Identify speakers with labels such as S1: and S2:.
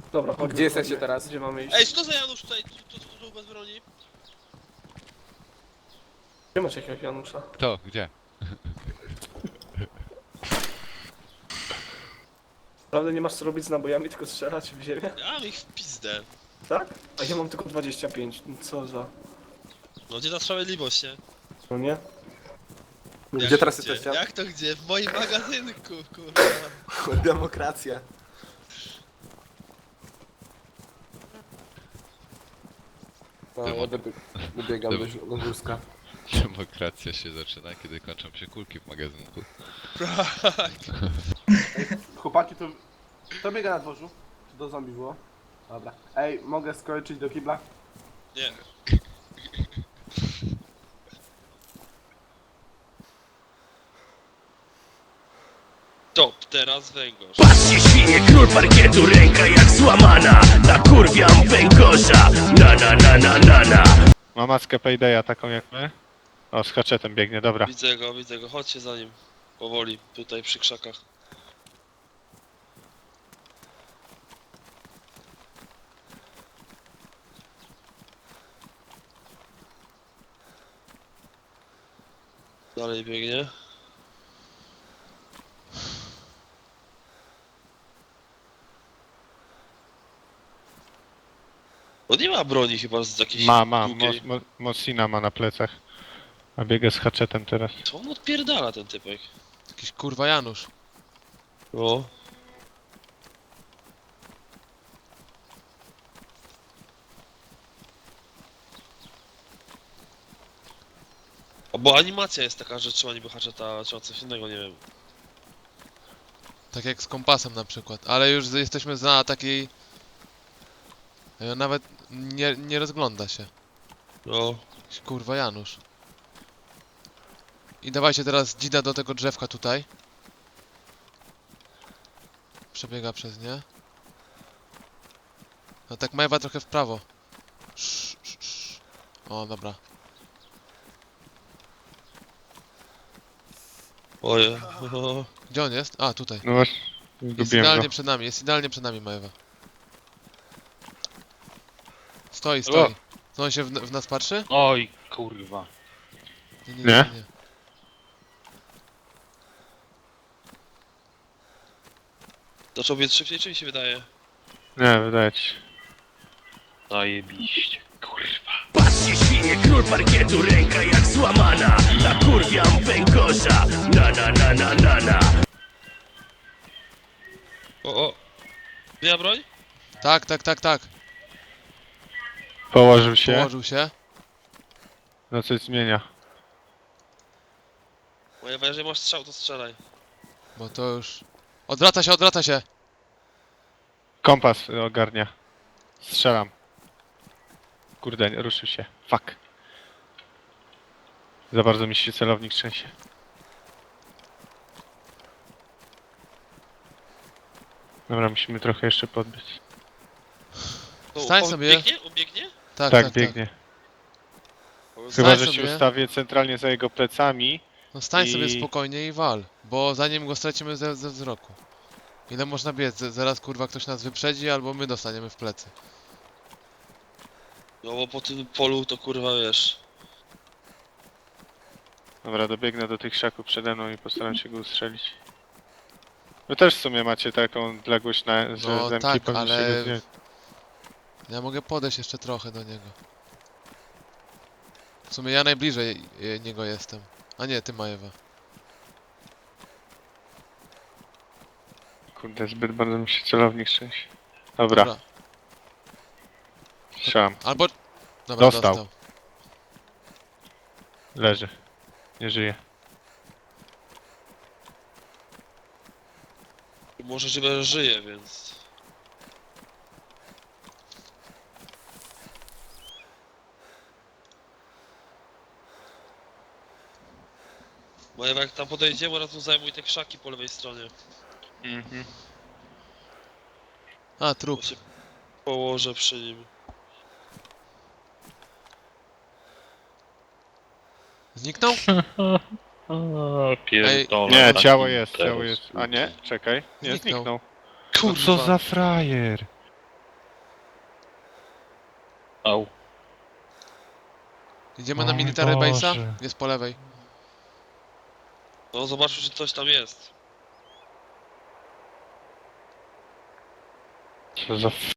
S1: Dobra, chodźmy.
S2: Gdzie jesteście teraz?
S1: Gdzie mamy iść?
S3: Ej, co za Janusz tutaj, tu bez broni?
S1: Gdzie macie jakiegoś Janusza?
S4: Kto? Gdzie?
S1: Naprawdę nie masz co robić z nabojami, tylko strzelać w ziemię?
S3: Ja mam ich w pizdę.
S1: Tak? A ja mam tylko 25, co za...
S3: No gdzie ta sprawiedliwość, nie?
S1: No nie?
S2: Gdzie
S3: Jak
S2: teraz
S3: gdzie?
S2: jesteście?
S3: Jak to gdzie? W moim magazynku, kurwa.
S2: Demokracja. No, ja wybiegam do wózka.
S4: Demokracja się zaczyna, kiedy kończą się kulki w magazynku.
S3: Tak.
S2: Chłopaki, to biega na dworzu? Czy do zombie było? Dobra. Ej, mogę skoczyć do kibla?
S3: Nie. Top, teraz węgorz.
S5: Patrzcie świnie, król parkietu, ręka jak złamana. Nakurwiam węgorza, na.
S6: Ma maskę Paydaya taką jak my? O, z haczetem biegnie, dobra.
S3: Widzę go, chodźcie za nim. Powoli, tutaj przy krzakach. Dalej biegnie. On nie ma broni chyba z jakiejś
S6: Ma,
S3: długiej.
S6: Mosina ma na plecach. A biega z haczetem teraz.
S3: Co on odpierdala, ten typek?
S7: Jakiś kurwa Janusz.
S3: O. Bo animacja jest taka, że trzeba niby haczeta, trzeba coś innego, nie wiem.
S7: Tak jak z kompasem na przykład. Ale już jesteśmy na takiej... Nawet nie rozgląda się.
S3: No.
S7: Jakiś kurwa Janusz. I dawajcie teraz dzida do tego drzewka tutaj. Przebiega przez nie. No tak Majewa trochę w prawo. O, dobra.
S3: Oje.
S7: Gdzie on jest? A, tutaj.
S6: No właśnie,
S7: Jest
S6: zgubiłem
S7: idealnie
S6: go.
S7: przed nami, jest idealnie przed nami Majewa. Stoi. Co on się w nas patrzy?
S8: Oj, kurwa.
S6: Nie?
S3: Zaczął biec szybciej, czy mi się wydaje?
S6: Nie, wydaje ci się.
S8: Zajebiście, kurwa.
S5: Patrzcie świnie, król parkietu, ręka jak złamana. Nakurwiam węgorza, na.
S3: O. Zmienia broń?
S7: Tak.
S6: Położył się.
S7: Położył się.
S6: No coś zmienia.
S3: Moja, jeżeli masz strzał, to strzelaj.
S7: Bo to już... Odwraca się!
S6: Kompas ogarnia. Strzelam. Kurde, ruszył się. Fuck. Za bardzo mi się celownik trzęsie. Dobra, musimy trochę jeszcze podbiec.
S3: To
S7: Stań
S3: on
S7: sobie.
S3: Biegnie? On biegnie?
S6: Tak, biegnie. Chyba,
S7: Stań
S6: że się
S7: sobie.
S6: ustawię centralnie za jego plecami.
S7: No stań
S6: I-
S7: sobie spokojnie i wal, bo zanim go stracimy ze wzroku. Ile można biec? Zaraz kurwa ktoś nas wyprzedzi albo my dostaniemy w plecy.
S3: No bo po tym polu to kurwa wiesz.
S6: Dobra, dobiegnę do tych krzaków przede mną i postaram się go ustrzelić. Wy też w sumie macie taką odległość na że
S7: No
S6: zemki
S7: tak,
S6: powinniście
S7: ale-
S6: go zdjąć.
S7: Ja mogę podejść jeszcze trochę do niego. W sumie ja najbliżej niego jestem. A nie, ty Majewa.
S6: Kurde, zbyt bardzo mi się celownik trzęsie. Dobra, strzelam.
S7: Albo... Dobra,
S6: Dostał. Leży. Nie żyje.
S3: Może że żyje, więc. Moja, jak tam podejdziemy, od razu zajmuj te krzaki po lewej stronie.
S6: Mhm.
S7: A, trup.
S3: Bo się położę przy nim.
S7: Zniknął?
S8: O, pierdolę.
S6: Nie,
S8: taki
S6: ciało jest,
S8: teraz,
S6: ciało jest. A nie? Czekaj. Nie,
S7: Zniknął.
S6: zniknął. Co za frajer?
S8: Au.
S7: Idziemy na
S8: O mój
S7: military base'a?
S8: Boże.
S7: Jest po lewej.
S3: No zobaczmy, czy coś tam jest.
S8: Co za